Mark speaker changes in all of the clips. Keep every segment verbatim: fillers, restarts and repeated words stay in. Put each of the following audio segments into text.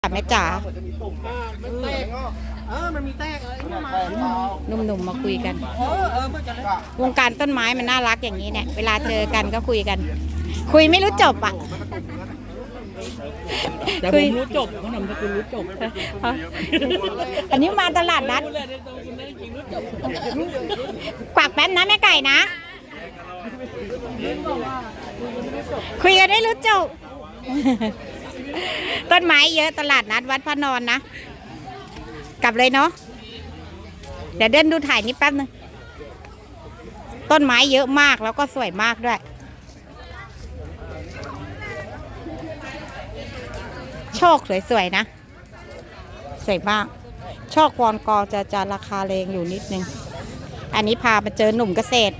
Speaker 1: แม่จ๋า
Speaker 2: มันแตกเออมันมีแตกอะไร
Speaker 1: หนุ่มๆมาคุยกันวงการต้นไม้มันน่ารักอย่างนี้เนี่ยเวลาเจอกันก็คุยกัน คุยไม่รู้จบอ่ะ
Speaker 2: แต่ผมรู้จบเขานำสกุลรู้จบ
Speaker 1: อันนี้มาตลาดนัดกวักแป๊บนะแม่ไก่นะคุยกันได้รู้จบต้นไม้เยอะตลาดนัดวัดพระนอนนะกลับเลยเนาะเดี๋ยวเดินดูถ่ายนิดแป๊บนึงต้นไม้เยอะมากแล้วก็สวยมากด้วยโชคสวยๆนะสวยมากโชควอนกอจะจะราคาแรงอยู่นิดนึงอันนี้พามาเจอหนุ่มเกษตร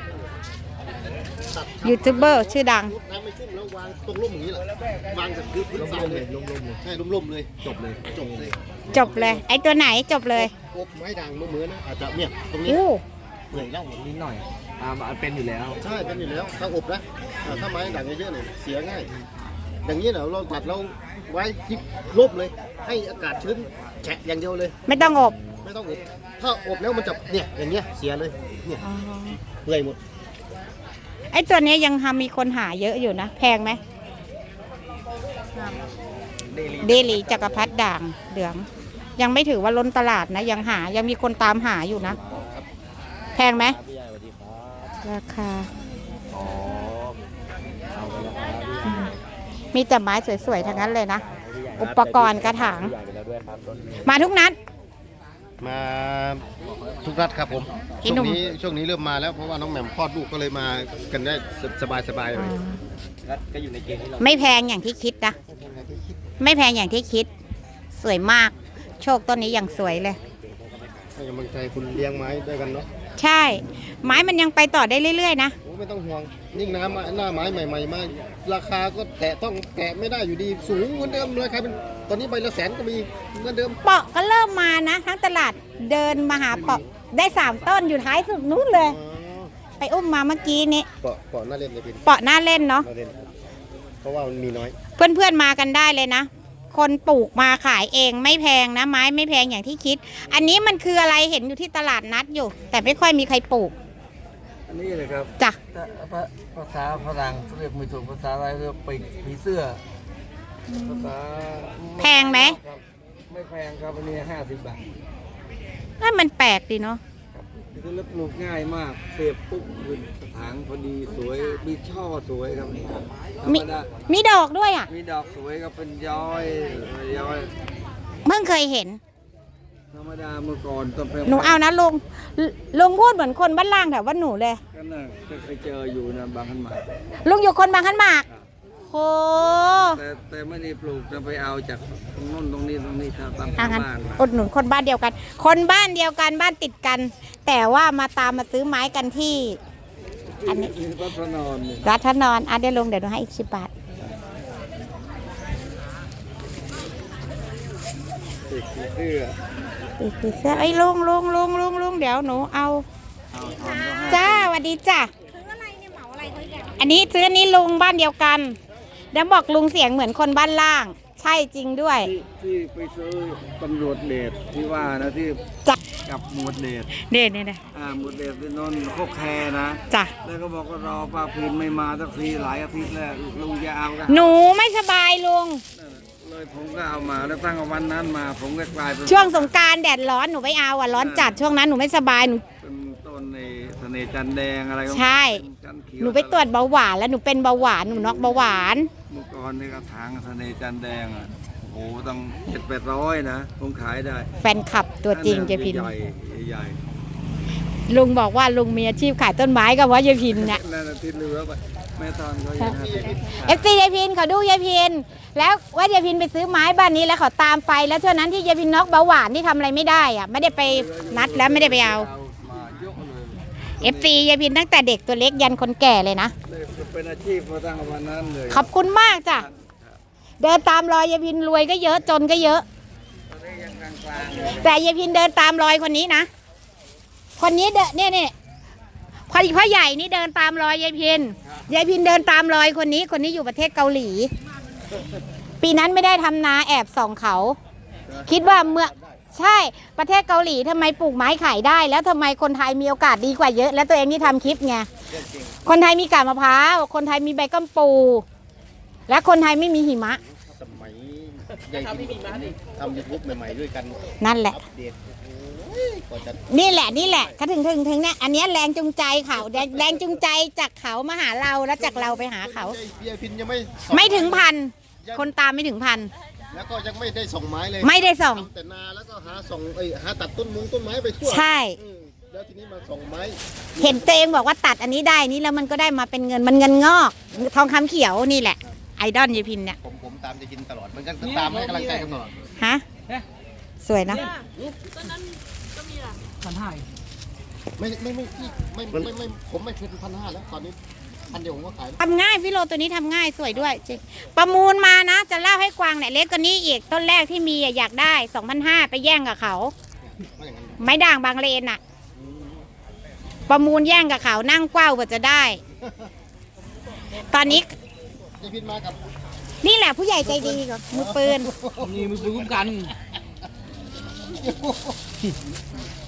Speaker 1: ยูทูบเบอร์ชื่อดัง
Speaker 3: น้ำไม่ชุ่มแล้ววางตรงร่มอย่างนี้แหละวางจากพื้นพื้นทรายเลยร่มๆเลยใช่ร่มๆเลยจบเลยจบเลย
Speaker 1: จบเลยไอตัวไหนจบเลย
Speaker 3: อบไม้ด่างเหมือนนะอาจจะเนี่ยตรงนี้เหนื่อยแล้วนิดหน่อยอ่ามันเป็นอยู่แล้วใช่เป็นอยู่แล้วถ้าอบนะถ้าไม้ด่างเยอะๆเนี่ยเสียง่ายอย่างนี้เราเราตัดเราไว้ที่ร่มเลยให้อากาศชื้นแฉะอย่างเดียวเลย
Speaker 1: ไม่ต้องอบ
Speaker 3: ไม่ต้องอบถ้าอบแล้วมันจะเนี่ยอย่างเงี้ยเสียเลยเนี่ยเปื่อยหมด
Speaker 1: ไอ้ตัวนี้ยังทำมีคนหาเยอะอยู่นะแพงไหมเดลีจักรพรรดิด่างเหลืองยังไม่ถือว่าล้นตลาดนะยังหายังมีคนตามหาอยู่นะแพงไหมราคามีแต่ไม้สวยๆทั้งนั้นเลยนะอุปกรณ์กระถางมาทุกนัด
Speaker 3: มาทุกนัดครับผมช่วงนี้ช่วงนี้เริ่มมาแล้วเพราะว่าน้องแหม่มคลอดลูกก็เลยมากันได้สบายสบายเลยก็อยู่ในเกณฑ์ที่เรา
Speaker 1: ไม่แพงอย่างที่คิดนะไม่แพงอย่างที่คิดสวยมากโชคต้นนี้อย่างสวยเลย
Speaker 3: ให้กำลังใจคุณเลี้ยงไม้ด้วยกันเนาะ
Speaker 1: ใช่ไม้มันยังไปต่อได้เรื่อยๆนะ
Speaker 3: ไม่ต้องห่วงยิ่งน้ำหน้าไม้ใหม่ๆมาราคาก็แตะต้องแตะไม่ได้อยู่ดีสูงเหมือนเดิมเลยใครเป็นตอนนี้ใบละแสนก็มีเหมือนเดิม
Speaker 1: เปาะก็เริ่มมานะทั้งตลาดเดินมาหาเปาะได้สามต้นอยู่ท้ายสุดนู้นเลยไปอุ้มมาเมื่อกี้นี้
Speaker 3: เปาะเปาะน่าเล่นเลยพี่
Speaker 1: เปาะน่าเล่นเนาะ
Speaker 3: เพราะว่ามันมีน้อย
Speaker 1: เพื่อนๆมากันได้เลยนะคนปลูกมาขายเองไม่แพงนะไม้ไม่แพงอย่างที่คิดอันนี้มันคืออะไรเห็นอยู่ที่ตลาดนัดอยู่แต่ไม่ค่อยมีใครปลูก
Speaker 2: อันนี้เลยครับ
Speaker 1: จ้ะ
Speaker 2: ภาษาฝรั่งเรียกไม่ถูกภาษาอะไรเรียกปีกผีเสื้อภาษา
Speaker 1: แพงไหม
Speaker 2: ไม่แพงครับอันนี้ห้าสิบบาท
Speaker 1: นั่นมันแปลกดีเนาะ
Speaker 2: คือปลูกง่ายมากเสียบปุ๊บขึ้นกระถางพอดีสวยมีช่อสวยครับ
Speaker 1: มีมีดอกด้วยอ่ะ
Speaker 2: มีดอกสวยก็เป็นย้อยย้อย
Speaker 1: เพิ่งเคยเห็น
Speaker 2: ธรรมดาเมื่อก่อนต้น
Speaker 1: หนูเอานะลุงลุงพูดเหมือนคนบ้านล่างแถวบ้านหนูเลย
Speaker 2: ก็น่าจะเคยเจออยู่นะบางขันหมาก
Speaker 1: ลุงอยู่คนบางขันหมากโอ้
Speaker 2: แต่แต่ไม่ได้ปลูกจะไปเอาจากตรงนู้นตรงนี้ตรงนี้ตามบ้าน
Speaker 1: อุดหนุนคนบ้านเดียวกันคนบ้านเดียวกันบ้านติดกันแต่ว่ามาตามมาซื้อไม้กันที่อันนี้
Speaker 2: รัตนอน
Speaker 1: รัตนอนอ่ะเดี๋ยวลุงเดี๋ยวหนูให้อีกสิบบาท
Speaker 2: อีกเสื้อ
Speaker 1: อีกเสื้อไอ้ลุงลุงลุงลุงลุงเดี๋ยวหนูเอาจ้าสวัสดีจ้าอันนี้ซื้ออันนี้ลุงบ้านเดียวกันแล้วบอกลุงเสียงเหมือนคนบ้านล่างใช่จริงด้วย
Speaker 2: ที่ไปซื้อตำรวจเดชที่ว่านะที่
Speaker 1: จั
Speaker 2: กับหมวดเดช
Speaker 1: เดชเนี่ยนะ
Speaker 2: อ่าหมวดเดชที่นนโคกแคนะ
Speaker 1: จ้ะ
Speaker 2: แล้วก็บอกว่ารอป้าพินไม่มาสักทีหลายอาทิตย์แล้วลุงจะเอากัน
Speaker 1: หนูไม่สบายลุง
Speaker 2: เลยผมก็เอามาแล้วตั้งวันนั้นมาผมก็กลายเป็น
Speaker 1: ช่วงสงกรานต์แดดร้อนหนูไม่เอาอ่ะร้อนจัดช่วงนั้นหนูไม่สบายหนู
Speaker 2: เป็นต้นในเสน่ห์จันแดงอะไร
Speaker 1: ใช่หนูไปตรวจเบาหวานแล้วหนูเป็นเบาหวานหนูนอกเบาหวาน
Speaker 2: เมื่อก่อนในกระถางเสน่ห์จันแดงอ่ะโอ้ต้องเจ็ดแปดร้อยนะผมขายได้
Speaker 1: แฟนคลับตัวจริงเจพิน
Speaker 2: ใหญ่ใหญ่
Speaker 1: ลุงบอกว่าลุงมีอาชีพขายต้นไม้กับว่าเจพินเนี่ย
Speaker 2: นั่นที่เหลือไปแม่ตอนเขาอย่างนั้น
Speaker 1: เอฟซีเจพินเขาดูเจพินแล้วว่าเจพินไปซื้อไม้บ้านนี้แล้วเขาตามไปแล้วเท่านั้นที่เจพินน็อกเบาหวานที่ทำอะไรไม่ได้อ่ะไม่ได้ไปนัดแล้วไม่ได้ไปเอาเอฟซีเจพินตั้งแต่เด็กตัวเล็กยันคนแก่เลยนะ
Speaker 2: เป็นอาชีพมาตั้งวันนั้นเลย
Speaker 1: ขอบคุณมากจ้ะเดินตามรอยเจพินรวยก็เยอะจนก็เยอะแต่เจพินเดินตามรอยคนนี้นะคนนี้เดินเนี่ยเนี่ยพอดีพ่อใหญ่นี่เดินตามรอยยายพินยายพินเดินตามรอยคนนี้คนนี้อยู่ประเทศเกาหลีปีนั้นไม่ได้ทำนาแอบส่องเขา คิดว่าเมื่อใช่ประเทศเกาหลีทำไมปลูกไม้ขายได้ แล้วทำไมคนไทยมีโอกาสดีกว่าเยอะ แล้วตัวเองที่ทำคลิปไงคนไทยมีกาบมะพร้าวคนไทยมีใบกัมปู และคนไทยไม่มีหิมะ
Speaker 3: สมัยยายพินทำยูทูบใหม่ๆด้วยกัน
Speaker 1: นั่นแหละ
Speaker 3: อัปเดตโอ้โหกว่าจะ
Speaker 1: นี่แหละนี่แหละก็ถึงถึงถึงเนี่ยอันเนี้ยแรงจูงใจเขาแรงแรงจูงใจจากเขามาหาเราแล้วจากเราไปหาเขา
Speaker 3: ยายพินยังไม่
Speaker 1: ไม่ถึงพันคนตามไม่ถึงพัน
Speaker 3: แล้วก็ยังไม่ได้ส่งไม้เลย
Speaker 1: ไม่ได้ส่ง
Speaker 3: ทำแต่นาแล้วก็หาส่งเอ้ยหาตัดต้นมุงต้นไม้ไปทั่ว
Speaker 1: ใช่
Speaker 3: อืมแล้วทีนี้มาส่งไม้
Speaker 1: เห็นตัวเองบอกว่าตัดอันนี้ได้นี่แล้วมันก็ได้มาเป็นเงินมันเงินงอกทองคำเขียวนี่แหละไอดอลยายพินเนี่ย
Speaker 3: ผมผมตามจะกินตลอดมันก็ตามให้กำลังใจกันตลอด
Speaker 1: ฮะสวยนะ
Speaker 3: ไม่ไม่ไม่พี่ไม่ไม่ไม่ไม่ผมไม่เคยพันห้าแล้วตอนนี้พันเดียวผมก็ขายแล้ว
Speaker 1: ทำง่ายพี่โลตัวนี้ทำง่ายสวยด้วยจริงประมูลมานะ จะเล่าให้กวางเนี่ยเล็กกว่านี้อีกต้นแรกที่มีอะอยากได้สองพันห้าไปแย่งกับเขา
Speaker 3: ไม่อย่างนั้น
Speaker 1: ไม้ด่างบางเลนอะประมูลแย่งกับเขานั่งกว้าวกว่าจะได้ ตอนนี้
Speaker 3: ยายพินมากับ
Speaker 1: นี่แหละผู้ใหญ่ใจดีกับมือปืน
Speaker 4: นี่มือปืนคุ้มกัน